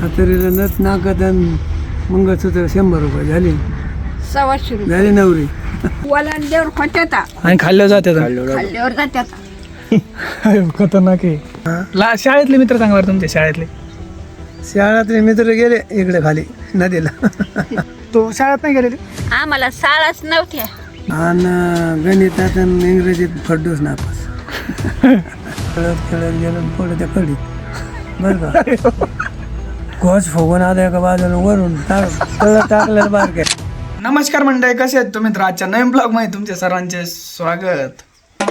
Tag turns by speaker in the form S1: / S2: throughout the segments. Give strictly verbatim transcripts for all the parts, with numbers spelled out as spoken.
S1: हातरीला नथ नाकात आणि मंगळसूत्र शंभर रुपये झाले.
S2: सव्वाशे रुपये
S1: झाली नवरी.
S2: वलांड्यावर खोट्यात
S3: आणि खाल्लं जाते
S2: खाल्ल्यावर जात्यात.
S3: खतरनाक आहे. ला शाळेतले मित्र सांगा बरं तुमचे शाळेतले.
S1: शाळातले मित्र गेले इकडे खाली नदीला.
S3: तो शाळेत नाही गेलेले.
S2: आम्हाला शाळाच नव्हत्या.
S1: आणि गणितात आणि इंग्रजीत फड्डूस नापास. खेळत खेळत गेलो पुढे त्या कडीत बरं का. घोष फुगून आलं एका बाजूला वरून तळ टाकलं बारक्या.
S3: नमस्कार मंडळी, कसे आहेत तुम्ही? तर आजच्या नवीन ब्लॉग मध्ये तुमचे सर्वांचे स्वागत.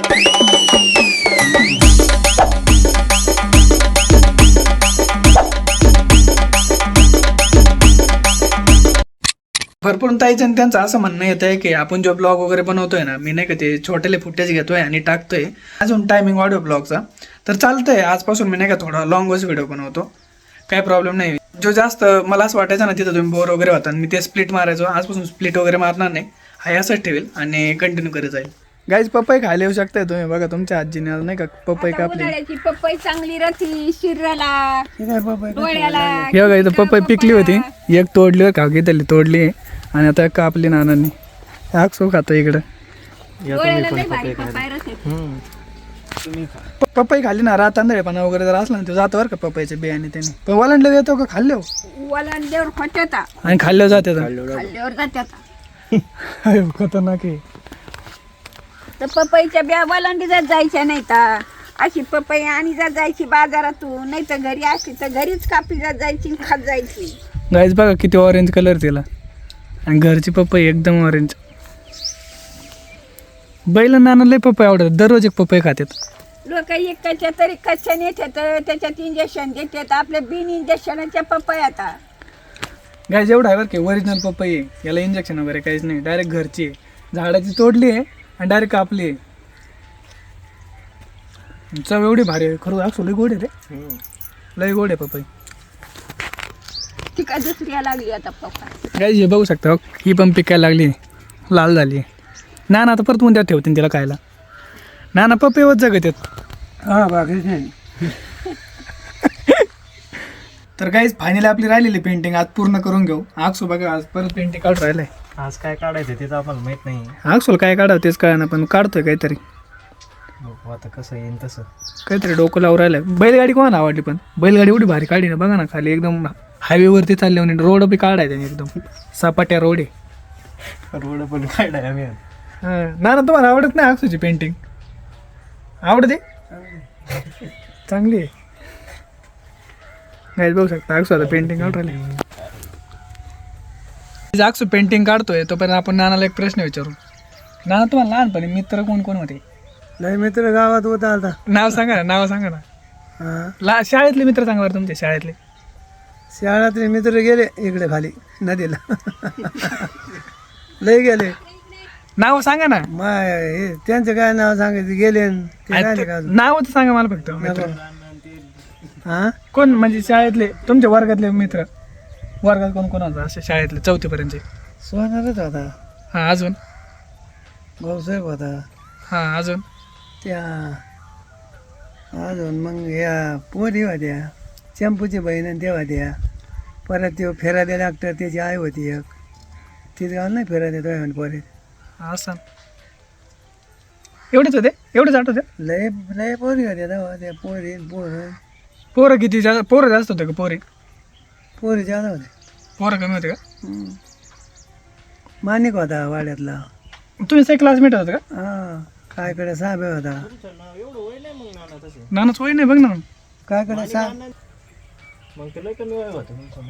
S3: भरपूर ताईचं आणि त्यांचं असं म्हणणं येत आहे की आपण जो ब्लॉग वगैरे बनवतोय ना, मी नाही का ते छोटेले फुटेज घेतोय आणि टाकतोय अजून टायमिंग ऑडिओ ब्लॉगचा, तर चालतंय. आजपासून मी नाही का थोडा लॉंगच व्हिडिओ बनवतो, काही प्रॉब्लेम नाही. जो जास्त मला असं वाटायचं ना तिथं तुम्ही बोर वगैरे होता, मी ते स्प्लिट मारायचो. आजपासून स्प्लिट वगैरे मारणार नाही, हा असंच ठेवेल आणि कंटिन्यू करत जाईल. गाईज पपई खायला येऊ शकताय तुम्ही. बघा तुमच्या आजीने नाही का पपई कापली.
S2: उन्हाळ्याची पपई चांगली राहती शरीराला,
S1: हे काय बाबा
S2: डोळ्याला.
S3: हे बघा इथं पपई पिकली होती, एक तोडली का घेतली तोडली आणि आता कापली नानांनी. आगसो खातो इकडं.
S2: डोळ्याला लय भारी पपई राहते.
S3: प- पपई खाल्ली ना, रात तांदळेपणा वगैरे जर असला ना ते जातं बरं का पपईचे बियाणे. त्याने पण वलांडले येतो का खाल्ले
S2: वलांड्यावर खोट्यात
S3: आणि खाल्लं जाते.
S2: खाल्ल्यावर जात्यात.
S3: खतरनाक आहे.
S2: तर पपईच्या बिया वलांडीजात जायच्या नाही तर अशी पपई आणि जात जायची बाजारातून, नाही तर घरी असली तर घरीच कापली जात जायची आणि खात जायची.
S3: गाईज बघा किती ऑरेंज कलर तिला, आणि घरची पपई एकदम ऑरेंज. बैल नाना लय पपई आवडतात, दररोज एक पपई खातात.
S2: लोक एकाच्या तरी कच्च्या नेतात, त्याच्यात इंजेक्शन देतात. आपल्या बिन इंजेक्शनाच्या पपई आता
S3: गाईज एवढं आहे बरं की ओरिजिनल पपई आहे, याला इंजेक्शन वगैरे काहीच नाही. डायरेक्ट घरची आहे, झाडाची तोडली आहे आणि डायरेक्ट कापली आहे. चव एवढी भारी आहे खरं. असं लय गोड आहे रे, लय गोड आहे पपई.
S2: ती काय दुसरी लागली आता पपई.
S3: गाईज हे बघू शकता, ही पण पिकायला लागली, लाल झाली. ना ना आता परत उद्या ठेवतील तिला खायला. ना ना पपईवर जगत येत.
S1: हा बाकीच नाही.
S3: तर गाईज फायनली आपली राहिलेली पेंटिंग आज पूर्ण करून घेऊ. आगसो बघा आज परत पेंटिंग काढून राहिलंय.
S4: आज काय काढायचं ते तर आम्हाला माहित नाही.
S3: आगसोल काय काढावं तेच कळा ना, पण काढतोय काहीतरी.
S4: बघू आता कसं येईन तसं.
S3: काहीतरी डोकं लावून राहिलंय. बैलगाडी कोणाला आवडली, पण बैलगाडी एवढी भारी काढली ना. बघा ना खाली एकदम हायवेवरती चालले म्हणे. रोड बी काढायचा एकदम सपाट्या रोड आहे.
S4: रोड पण काढाय आम्ही.
S3: हां ना ना, तुम्हाला आवडत नाही आगसोची पेंटिंग? आवडते, चांगली आहे. गाईज बघू शकता आगसो आता पेंटिंग काढून राहिली. आगसो पेंटिंग काढतोय तोपर्यंत आपण नानाला एक प्रश्न विचारू. नाना तुम्हाला लहानपणी मित्र कोण कोण होते?
S1: नाही मित्र गावात होता आता.
S3: नाव सांगा ना, नाव सांगा ना.
S1: हा
S3: ला शाळेतले मित्र सांगा बरं तुमचे शाळेतले.
S1: शाळातले मित्र गेले इकडे खाली नदीला. लय गेले.
S3: नाव सांगा ना.
S1: माय हे त्यांचं काय नाव सांगायचं गेले न ते राहिले का अजून?
S3: नाव तर सांगा मला फक्त मित्र.
S1: हा
S3: कोण म्हणजे शाळेतले तुमच्या वर्गातले मित्र? वर्गात कोण कोण होता असे शाळेतले चौथीपर्यंतचे?
S1: सोनारच होता,
S3: हां अजून?
S1: भाऊसाहेब होता,
S3: हां अजून?
S1: त्या अजून मग या पोरी होत्या, चंपूची बहीण आणि त्या होत्या. परत ते फेरादे डॉक्टर त्याची आई होती एक, तिथे गाव नाही फेरादे तो पोरी.
S3: असं एवढेच होते? एवढेच आठवते?
S1: लय लय पोरी होत्या तेव्हा त्या पोरी पोरं
S3: पोरं किती जास्त? पोरं जास्त होते का पोरी?
S1: पोरी जादा होते.
S3: पोरं कमी होते का?
S1: हम्म. माणिक होता वाड्यातला.
S3: तुम्ही सगळे क्लासमेट होता का?
S1: हा कायकडे साहेब होता.
S3: नानाच वय नाही बघ ना.
S1: कायकडे साहेब
S4: मग त्याला कमी वय होतं तुमचं.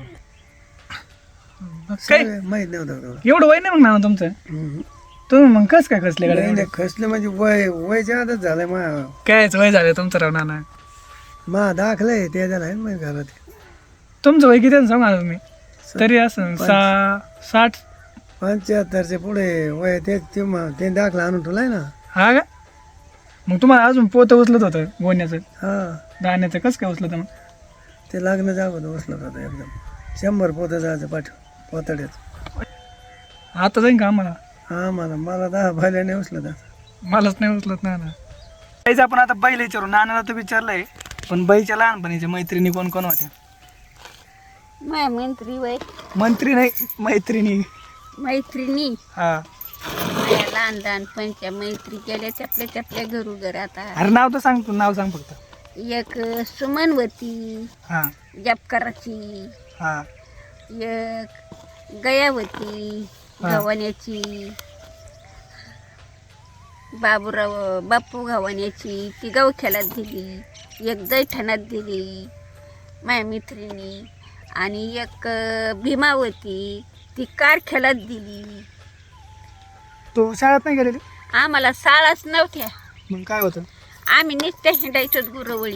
S3: काय
S1: माहीत नव्हतं तेवढं.
S3: एवढं वय नाही मग नाना तुमचं?
S1: हम्म.
S3: तुम्ही मग कस काय खसले
S1: नाही,
S3: गाडी?
S1: नाही, खसलं म्हणजे वय वय जादच झालंय. मा
S3: कायच वय झालं तुमचं राव नाना?
S1: मा दाखलंय ते झालं मग घरात.
S3: तुमचं वय किती आहे सांगा ना तुम्ही. तरी असं सा साठ
S1: पंच्याहत्तरचे पुढे वय ते ते म- ते दाखला आणून ठेवलाय ना.
S3: हा का? मग तुम्हाला अजून पोतं उचलत होतं गोण्याचं
S1: हा
S3: दाण्याचं कसं काय उचलत मग?
S1: ते लग्न जागोदर उचलत होतं एकदम. शंभर पोतं जायचं पाठ पोतड्यात.
S3: आता जाईन का आम्हाला?
S1: हा मला मला दहा भाल्याने उचलत होतं.
S3: मलाच नाही उचलत नाना. काहीच आपण आता बैल विचारू. नानाला तर विचारलंय, पण बाईच्या लहानपणीच्या मैत्रिणी कोण कोण होत्या?
S2: माया मंत्री वय
S3: मंत्री नाही मैत्रिणी.
S2: मैत्रिणी
S3: हा
S2: माया लहान लहानपणच्या मैत्री केल्या चपल्या चपल्या घरू घर आता.
S3: अरे नाव तर सांग तू, नाव सांग फक्त.
S2: एक सुमनवती
S3: हा
S2: जपकराची,
S3: हा
S2: एक गयावती
S3: हा.
S2: गव्हाण्याची, बाबूराव बापू गव्हाण्याची ती गवख्यालात दिली, एक दैठणात दिली माया मैत्रिणी, आणि एक अं, भीमावती ती कारख्यालात दिली.
S3: तू शाळेत नाही गेलेली?
S2: आम्हाला शाळाच नव्हत्या,
S3: मग काय होतं?
S2: आम्ही नुसत्या हिंडायचोच गुरवळी.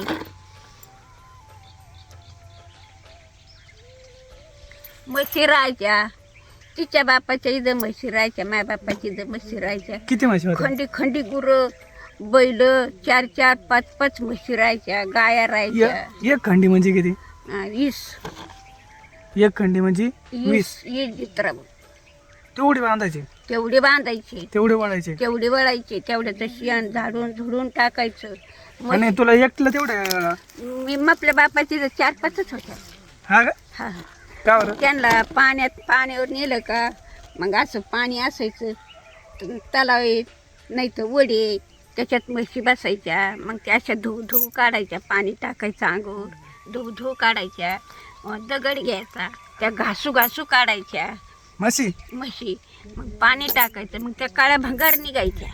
S2: म्हशी राहायच्या, तिच्या बापाच्या इथं म्हशी राहायच्या, माझ्या बापाच्या इथं म्हशी राहायच्या.
S3: किती म्हशी होत्या?
S2: खंडी खंडी गुरं, बैल, चार चार पाच पाच म्हशी राहायच्या, गाया राहायच्या.
S3: एक एक खंडी म्हणजे किती?
S2: हा, वीस
S3: एक खंडी म्हणजे वीस.
S2: वीस वीस जित्रा
S3: तेवढी बांधायची,
S2: तेवढे बांधायचे,
S3: तेवढे वाढायचे.
S2: तेवढे वळायचे, तेवढ्याचं शियान झाडून झुडून टाकायचं. मग
S3: आणि तुला एकटलं तेवढे?
S2: मी आपल्या बापाची तर चार पाचच होत्या.
S3: हा का?
S2: हा
S3: का बरं?
S2: त्यांना पाण्यात पाण्यावर नेलं का मग असं पाणी असायचं, त- तलाव नाही तर वडे, त्याच्यात म्हशी बसायच्या. मग त्या अशा धू धू काढायच्या, पाणी टाकायचं अंगावर, धू धू काढायच्या. मग दगड घ्यायचा, त्या घासू घासू काढायच्या
S3: म्हशी?
S2: म्हशी. मग पाणी टाकायचं, मग त्या काळ्या भंगार निघायच्या.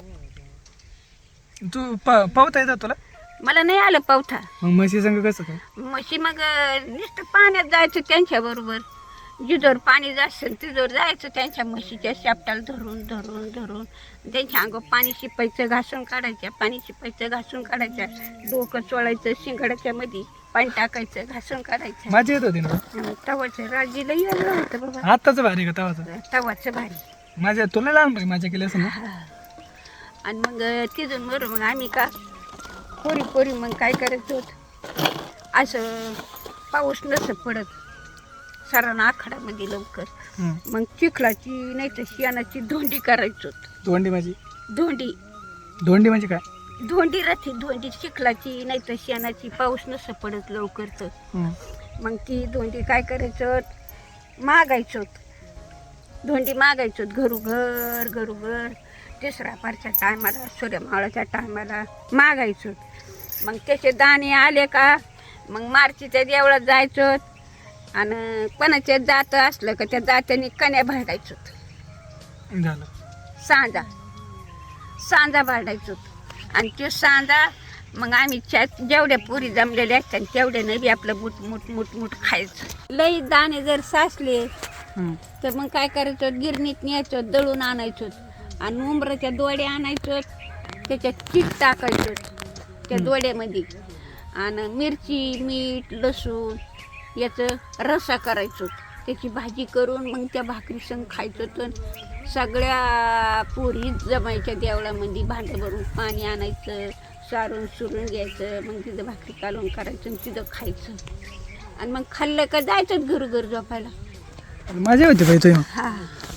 S3: तू प- पावता येतात तुला?
S2: मला नाही आलं पावथा.
S3: मग म्हशी संग कसं काय?
S2: म्हशी मग अं, नुसतं पाण्यात जायचं त्यांच्याबरोबर, जिजोर पाणी जायचं तिजोर जायचं, त्यांच्या म्हशीच्या शापटाला धरून धरून धरून त्यांच्या अंगावर पाणी शिपायचं, घासून काढायच्या, पाणी शिपायचं, घासून काढायच्या, डोकं चोळायचं, शिंगाड्याच्या मध्ये पाणी टाकायचं, घासून काढायचं.
S3: माझी येत होती ना?
S2: आणि तवाचं राजीला वेगळं होतं बाबा,
S3: आत्ताच भारी का तवाचं?
S2: तवाचं भारी.
S3: माझ्या तुला लहानपणी माझ्या केली असं ना?
S2: आणि मग तिथून बरं मग आम्ही का पोरी पोरी मग काय करायचं होतं, असं पाऊस नसं पडत सरांना आखाडामध्ये लवकर,
S3: हम्म.
S2: मग चिखलाची नाही तर शियानाची धोंडी करायचो.
S3: धोंडी माझी?
S2: धोंडी
S3: धोंडी म्हणजे काय?
S2: धोंडी राहते, धोंडी चिखलाची नाही तर शियानाची, पाऊस नसं पडत लवकर तर.
S3: हम्म.
S2: मग ती धोंडी काय करायचं, मागायचो, धोंडी मागायचो घरोघर घरोघर. तिसरा पारच्या टायमाला, सूर्यमावळाच्या टायमाला मागायचो. मग त्याचे दाणे आले का मग मार्चीच्या देवळात जायचो, आणि कोणाच्या जात असलं का त्या जात्याने कन्या भांडायचो.
S3: झालं.
S2: सांजा सांजा भांडायचो, आणि ते सांजा मग आम्ही च्या जेवढ्या पुरी जमलेल्या असतात तेवढ्या नवी आपलं मुठ मुठ मुठ मुठ खायचं. लई दाणे जर साचले
S3: हम्म.
S2: तर मग काय करायचं, गिरणीत न्यायचं, दळून आणायचो, आणि उंबराच्या दोड्या आणायचो, त्याच्यात चीक टाकायचो त्या दोड्यामध्ये, आणि मिरची मीठ लसूण याचं रस्सा करायचो, त्याची भाजी करून मग त्या भाकरी संग खायचो. तर सगळ्या पोरी जमायच्या देवळामध्ये, भांडं भरून पाणी आणायचं, सारून सुरून घ्यायचं, मग तिथं भाकरी कालवून करायचं आणि तिथं खायचं. आणि मग खाल्लं का जायचं घरोघर झोपायला.
S3: माझी होती बाई तू?
S2: हा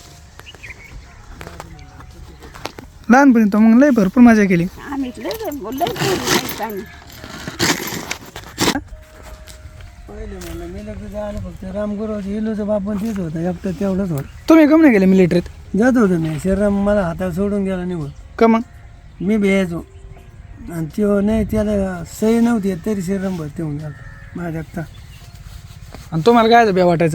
S3: लहानपणी तो मग लय भरपूर मजा केली.
S2: आम्ही लय लय पोरी नाहीत आम्ही.
S1: पहिले म्हणलं मी लग्न झालं फक्त रामगुरुजी इलोचं बापन तेच होतं, एकटं तेवढंच होतं.
S3: तुम्ही कम नाही गेले मिलिटरीत?
S1: जात होतो मी, शरीराम मला हातात सोडून गेला निघून.
S3: का मग?
S1: मी भ्यायचो, आणि तो नाही, त्याला सही नव्हती येत, तरी शरीराम भरती होऊन गेला माझ्या एकटा.
S3: आणि तुम्हाला काय भ्या वाटायचं?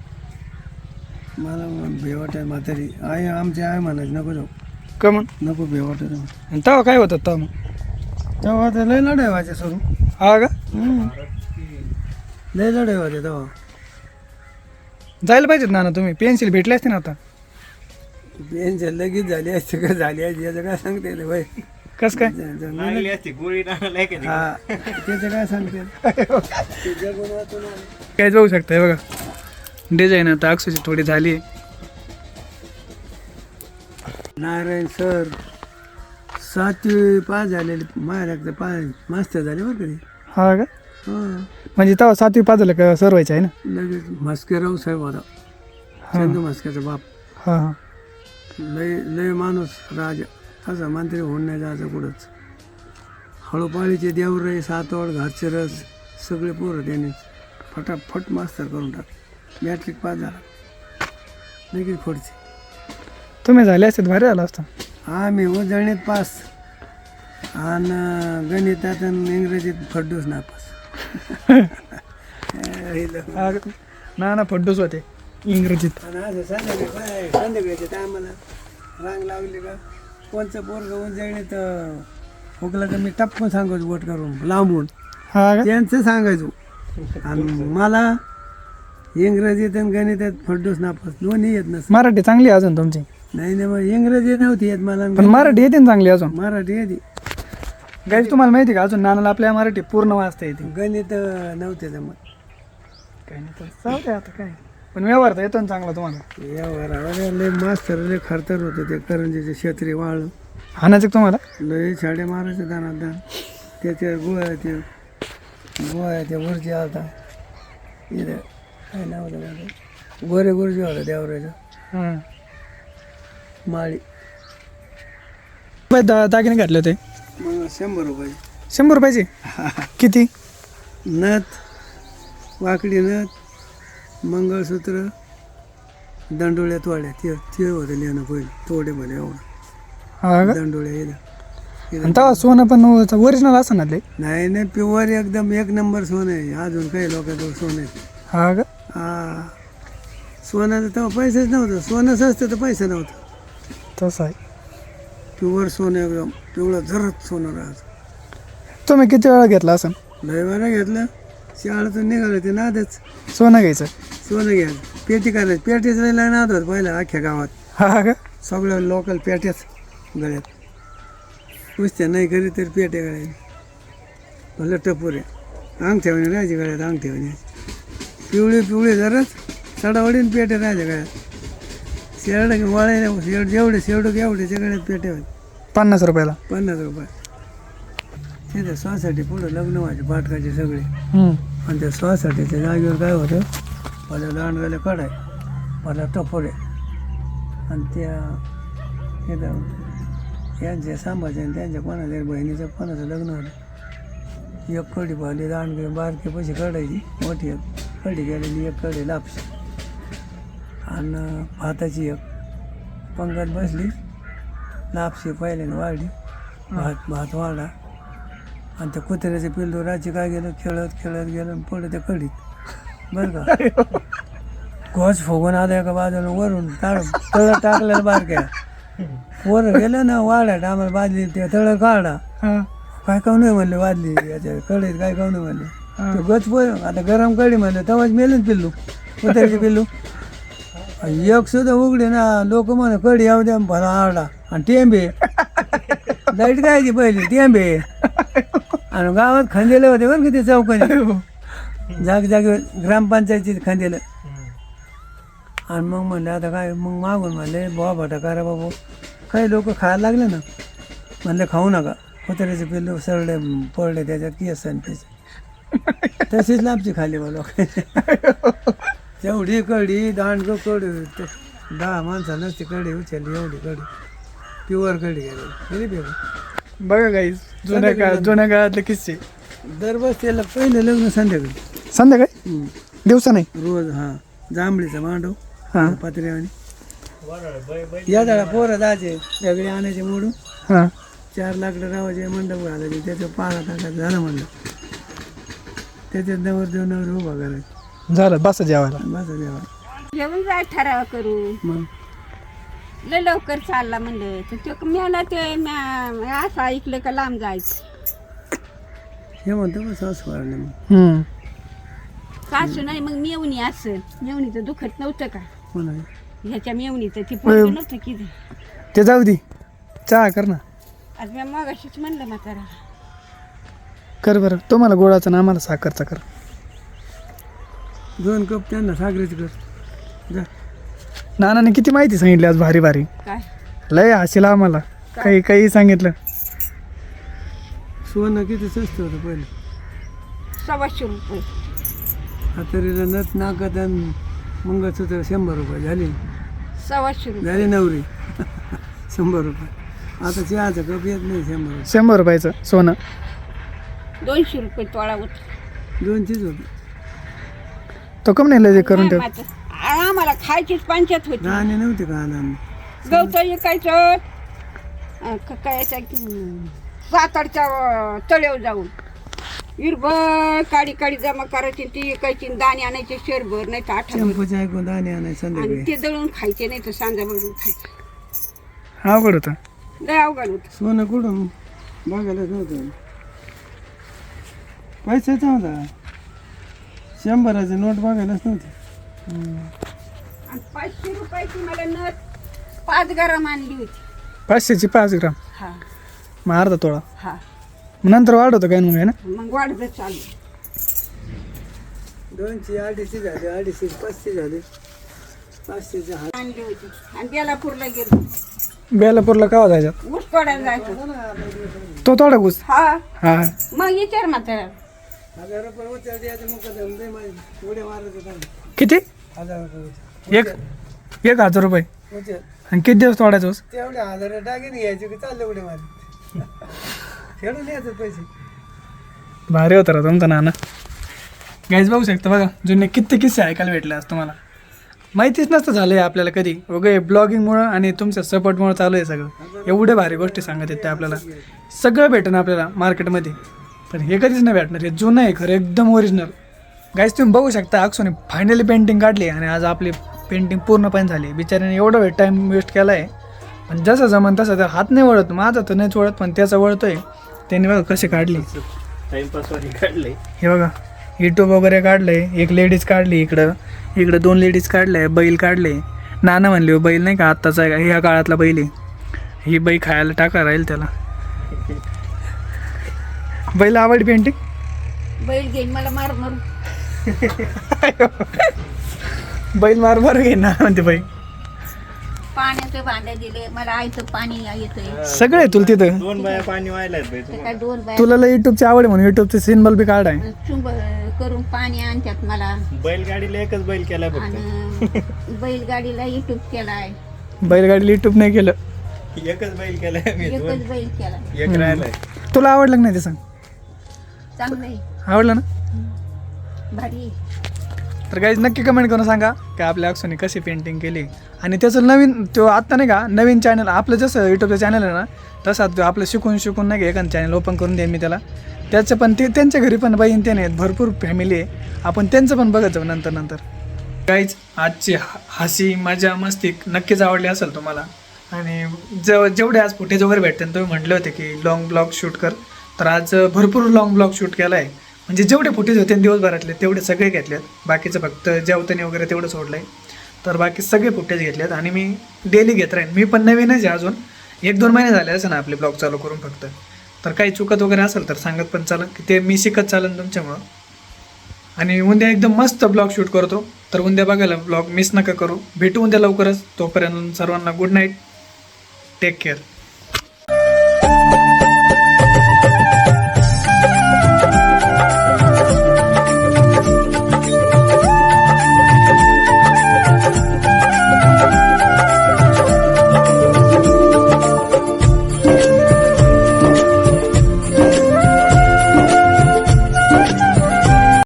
S1: मला भे वाटाय म्हातारी आई, आमची आई म्हणायची नको जाऊ,
S3: का मग?
S1: नको भे वाटायचं.
S3: आणि तेव्हा काय होतं तेव्हा मग?
S1: तेव्हा तर लय लढाई व्हायचे सोडून.
S3: हा का?
S1: हम्म. लय लढाई व्हायचे तेव्हा.
S3: जायला पाहिजेत ना तुम्ही, पेन्सिल भेटली असते ना आता.
S1: पेन्शन लगेच झाली असते का झाली असते याचं काय सांगता येते भाई.
S3: कसं काय?
S4: लागली असती गोळी टाकायला आहे का नाही?
S1: हा त्याचं काय सांगता येत. ते जगून वाचून आलं.
S3: काय बघू शकताय बघा, डिझाईन आता अक्षरची थोडी झाली आहे.
S1: नारायण सर सातवी पास झालेले, माझ्या एकदा पास मास्तर झाले बरं कधी.
S3: हा का?
S1: हां
S3: म्हणजे तेव्हा सातवी पाच झालं का सर व्हायचं आहे ना?
S1: लगेच म्हस्केराव साहेब होता, चंदू म्हस्क्याचा बाप.
S3: हां हां.
S1: लय लय माणूस राजा, असा मंत्री होऊन नाही जायचं कुठंच. हळूपाळीचे देवरे, सातवड, घाटचे रस सगळे पोरं त्यांनीच. फटाफट मास्तर करून टाक मॅट्रिक पास झाला लगेच खोडचे
S3: तुम्ही झाले असते भारी झालं असतं.
S1: आम्ही उजळणीत पास आणि गणितात आणि इंग्रजीत फड्डूस नापास.
S3: हा, ना ना फड्डूच होते इंग्रजीत.
S1: आणि असं संध्याकाळी बाय संध्याकाळच्या टायमाला रांग लावली का कोणचं पोरगं उजळणीत हुकलं का मी टप्पन सांगायचो बोट करून लांबून
S3: हा का?
S1: त्यांचं सांगायचो. आणि मला इंग्रजीत आणि गणितात फड्डूस नापास दोन्ही येत नस.
S3: मराठी चांगली आहे अजून तुमची.
S1: नाही नाही मग इंग्रजी नव्हती येत मला
S3: पण मराठी येते ना चांगली अजून.
S1: मराठी येते
S3: गाईज तुम्हाला माहिती का अजून नानाला आपल्या मराठी पूर्ण वाचता येते.
S1: गणित नव्हते जमत.
S3: काही नाही तर जाऊ दे आता काय. पण व्यवहार तर येतो ना चांगला तुम्हाला.
S1: व्यवहारावर लय मास्तर लय खरतर होते ते करंजीचे क्षेत्री वाळ
S3: हाणायचं का तुम्हाला.
S1: लय छाडे मारायचे दानात दान त्याचे गोळ्या ते गोळ्या ते वरची आता इथे काय नाव होतं माझं गोरे गुरुजी होता देवराच्या
S3: हं.
S1: माळी
S3: बाई दा दागिने घातले होते
S1: मग शंभर रुपये
S3: शंभर रुपयाचे. किती.
S1: नथ वाकडी नथ मंगळसूत्र दंडोळ्या तोड्या ते ते होतं लिहिणं पहिले तोडेमध्ये एवढं
S3: हा का.
S1: दंडोळ्या येणं
S3: आणि तेव्हा सोनं पण ओरिजिनल असं ना ते.
S1: नाही नाही प्युअर एकदम एक नंबर सोनं आहे. अजून काही लोकांजवळ सोनं आहे.
S3: हा का.
S1: हा सोन्याचं तेव्हा पैसेच नव्हतं. सोनं सस्तं तर पैसे नव्हतं.
S3: तसं आहे.
S1: प्युअर सोनं एकदम पिवळं जरत सोनं राहायचं.
S3: तुम्ही किती वेळा घेतला असं
S1: लय बरं घेतलं शाळेतून निघालं ते नादच
S3: सोनं घ्यायचं.
S1: सोनं घ्यायचं पेटी करायची पेटीच लय नाद होत पहिलं अख्ख्या गावात.
S3: हा का.
S1: सगळं लोकल पेट्याच गळ्यात पुसत्या नाही करी तरी पेटे गळ्यात भलं टपोरे अंगठ्यावानी राहायची गळ्यात अंगठ्यावानी पिवळी पिवळी जरच सडावडीन पेटे राहायच्या गळ्यात शेरड वळायला शेड जेवढे शेवडूक एवढ्याच्या गळ्यात पेटे होते.
S3: पन्नास रुपयाला.
S1: पन्नास रुपये तिथे स्वासाठी पुढं लग्न व्हायचे पाटकाचे सगळे.
S3: हं.
S1: आणि त्या स्वासाठीच्या जागेवर काय होतं मला दांडगाले कडाय मला टपोरे आणि त्या इथं यांचे सांभाचे आणि त्यांच्या कोणाच्या बहिणीचं कोणाचं लग्न होतं. एक कडी पाहिली दांडगे बारके पैसे काढायची मोठी एक कडी गेलेली एक कडी लापशी आणि भाताची एक पंगत बसली लापशी पहिल्याने वाढली भात भात वाढला आणि त्या कुत्र्याचे पिल्लू राजी काय गेलं खेळत खेळत गेलं आणि पुढे त्या कडीत बरं का घोष फुगून आला एका बाजूला वरून ताळ तळ टाकलेलं बारक्या वर गेलं ना वाड्यात आम्हाला बादली ते तळ काढा
S3: हा.
S1: काय काऊन नाही म्हणले वादली याच्या कडीत काय काऊन नाही म्हणले ते गच पोर आता गरम कडी म्हणलं तेव्हाच मेलच पिल्लू कुत्र्याचे पिल्लू एक सुद्धा उघडे ना लोक म्हणे कडी येऊ द्या भला आरडा आणि टेंबे लाईट कायची पहिली टेंबे आणि गावात खंदेले होते बरं किती चौकाने जाग जागे ग्रामपंचायतीत खंदेलं. आणि मग म्हणलं आता काय मग मागून म्हणले बुवा भटा करा बाबू काही लोक खायला लागले ना म्हणले खाऊ नका कुत्र्याचे पिल्लू सरडे पडले त्याच्यात केस आणि त्याचे तशीच लापची खाली बा लोक तेवढी कडी दांड कडी ते दहा माणसा नसती कडी उचलली एवढी कडी प्युअर कडी गेली गेली
S3: बघा गाईज जुन्या काळ जुन्या काळातले किस्से.
S1: दरबस त्याला पहिले लग्न संध्याकाळी
S3: संध्याकाळी
S1: हम्म.
S3: दिवसा नाही.
S1: रोज हा जांभळीचा मांडव
S3: हा.
S1: पात्र्यावानी या झाडा पोरं जायचे वेगळे आणायचे मोडून
S3: हां.
S1: चार लाकडं रावायचे मंडप घालायचे त्याचं पाला टाकायचं झालं म्हणलं त्याच्यात नवर देव नवर उभा करायचं
S3: झालं बस जेवायला.
S1: बस देवा
S2: जेवण जाय ठराव करू
S1: मग
S2: लय लवकर चालला म्हणलं तर ते मला ते म्या असं ऐकलं का लांब जायचं
S1: हे म्हणतो मग सासू वाढले मग
S3: हं.
S2: सासू नाही मग मेवणी असं मेवणीचं दुखत नव्हतं का
S1: म्हणा
S2: ह्याच्या मेवणीचं ती पोरगं नव्हतं की ते.
S3: ते जाऊ दे चहा कर ना.
S2: आज मी मगाशीच म्हणलं म्हातारा
S3: कर बरं तुम्हाला गोळाचं ना आम्हाला साखरचा कर.
S1: दोन कप त्यांना सागरीच कर जा
S3: नानाने किती माहिती सांगितली आज भारी भारी.
S2: काय
S3: लय हसीला आम्हाला काही काही सांगितलं.
S1: सोनं किती स्वस्त होतं पहिले
S2: सव्वाशे रुपये
S1: हातरीला नथ नाकात आणि मंगळसूत्र शंभर रुपये झाली
S2: सव्वाशे रुपये
S1: झाली नवरी शंभर रुपये आता चहाचा कप येत नाही शंभर रुपये
S3: शंभर रुपयाचं सोनं.
S2: दोनशे रुपये तोळा होता
S1: दोनशेच होते
S3: तो कम नाही लय करून ठेव.
S2: नाही मात्र. आम्हाला खायचीच पंचायत होती.
S1: नाणे नव्हते का आला
S2: गवत विकायचं अं, क- काय याच्या की, सातारच्या अं, तळ्यावर जाऊन हिरबळ काडी काडी जमा करायची ती विकायची आणि दाणे आणायचे शेरभर नाही तर आठवण
S1: चंपूच्या ऐकून दाणे आणाय
S2: आणि
S1: संध्याकाळी
S2: ते दळून खायचे नाही तर सांजा बघून खायचे.
S3: अवघड होतं.
S2: लय अवघड होत.
S1: सोनं कुठून बघायलाच नव्हतं. पैसाच नव्हता. शंभराची नोट बघायलाच नव्हती.
S2: आणि पाचशे रुपयाची मला नथ पाच गरम आणली होती.
S3: पाचशेची पाच ग्राम
S2: हा
S3: मग अर्धा तोळा.
S2: हा
S3: मग नंतर वाढवतं काय मग आहे ना.
S2: मग वाढत चालू.
S1: दोनशे अडीचशे झाले, अडीचशे पाचशे झाले, पाचशेचे हात.
S2: आणली होती आणि बेलापूरला गेलो.
S3: बेलापूरला का जायच्यात
S2: ऊस तोडायला जायचं.
S3: तो तोडा घुस.
S2: हा
S3: हा
S2: मग विचार मात्र
S1: हजार रुपये उचल द्यायचे मुकदम दे माझे उड्या मारत होता.
S3: किती
S1: हजार रुपये उचल.
S3: एक एक हजार रुपये
S1: उचल.
S3: आणि किती दिवस तोडायचं ऊस?
S1: तेवढे हजार टाकीन घ्यायचे की चालले उड्या मारत. खेळून यायचं पैसे.
S3: भारी होतं रा तुमचा नाना. गाईज बघू शकता बघा जुने किती किस्से ऐकायला भेटले आज तुम्हाला. माहितीच नसतं झालं आहे आपल्याला कधी वगैरे ब्लॉगिंगमुळं आणि तुमच्या सपोर्टमुळं चालू आहे सगळं. एवढे भारी गोष्टी सांगत आहेत ते आपल्याला. सगळं भेटणं आपल्याला मार्केटमध्ये पण हे कधीच नाही भेटणार. हे जुनं आहे खरं एकदम ओरिजिनल. गाईज तुम्ही बघू शकता अक्षोने फायनली पेंटिंग काढली आणि आज आपली पेंटिंग पूर्णपणे झाली. बिचाऱ्याने एवढा वेळ टाईम वेस्ट केला आहे पण जसं जमन तसं तर हात नाही वळत. माझा तर नाहीच वळत पण त्याचा वळतोय. त्यांनी बघा कसे काढली.
S4: टाइमपास वाली काढले.
S3: हे बघा यूट्यूब वगैरे काढलंय. एक लेडीज काढली इकडं, इकडं दोन लेडीज काढल्या, बैल काढले. नाना म्हणले हो बैल नाही का आत्ताचा आहे का ह्या काळातला बैल आहे. ही बैल खायला टाका राहील त्याला. बैल आवडली पेंटिंग.
S2: बैल घेईन मला मार मारू.
S3: बैल मार मार घे ना म्हणते बाई.
S2: पाण्याचे भांडे दिले मला आईचं पाणी येतंय.
S3: सगळं आहे तुला तिथं.
S4: दोन बाया पाणी व्हायलात बाई
S2: ते
S4: तुम्हाला.
S2: काय दोन बाय
S3: तुला युट्यूबची आवड आहे म्हणून युट्यूबचे सिम्बल बी काढाय.
S2: चुंब करून पाणी आणतात मला.
S4: बैलगाडीला एकच बैल केलाय फक्त.
S2: आणि बैलगाडीला युट्यूब केलाय.
S3: बैलगाडीला युट्यूब नाही केलं.
S4: एकच बैल केलाय मी. दोन
S2: एकच बैल केलाय.
S4: एक राहिलाय.
S3: तुला आवडलं का नाही ते सांग.
S2: चांगलं आहे
S3: आवडलं ना.
S2: भारी आहे.
S3: तर गाईज नक्की कमेंट करून सांगा की आपल्या अक्षोने कशी पेंटिंग केली. आणि त्याचं नवीन तो आत्ता नाही का नवीन चॅनल आपलं जसं यूट्यूबचं चॅनल आहे ना तसा तो आपलं शिकून शिकून नाही का एखादं चॅनल ओपन करून देईन मी त्याला. त्याचं पण ते त्यांच्या घरी पण बाईन ते नाही भरपूर फॅमिली आहे. आपण त्यांचं पण बघत जाऊ नंतर नंतर. गाईज आजची हसी मजा मस्ती नक्कीच आवडली असेल तुम्हाला. आणि जेव जेवढे आज फुटेज वगैरे भेटते तुम्ही म्हटले होते की लॉंग ब्लॉग शूट कर तर आज भरपूर लॉंग ब्लॉग शूट केला आहे. म्हणजे जेवढे फुटेज होते दिवसभरातले तेवढे सगळे घेतलेत. बाकीचं फक्त जेवताना वगैरे तेवढं सोडलं आहे. तर बाकी सगळे फुटेज घेतलेत आणि मी डेली घेत राहीन. मी पण नवीनच आहे अजून एक दोन महिने झाले असेल ना आपले ब्लॉग चालू करून फक्त. तर काही चुकत वगैरे असेल तर सांगत पण चालेल की ते मी शिकत चालेल तुमच्यामुळं. आणि उद्या एकदम मस्त ब्लॉग शूट करतो तर उद्या बघायला ब्लॉग मिस नका करू. भेटू उद्या लवकरच. तोपर्यंत सर्वांना गुड नाईट. Take care.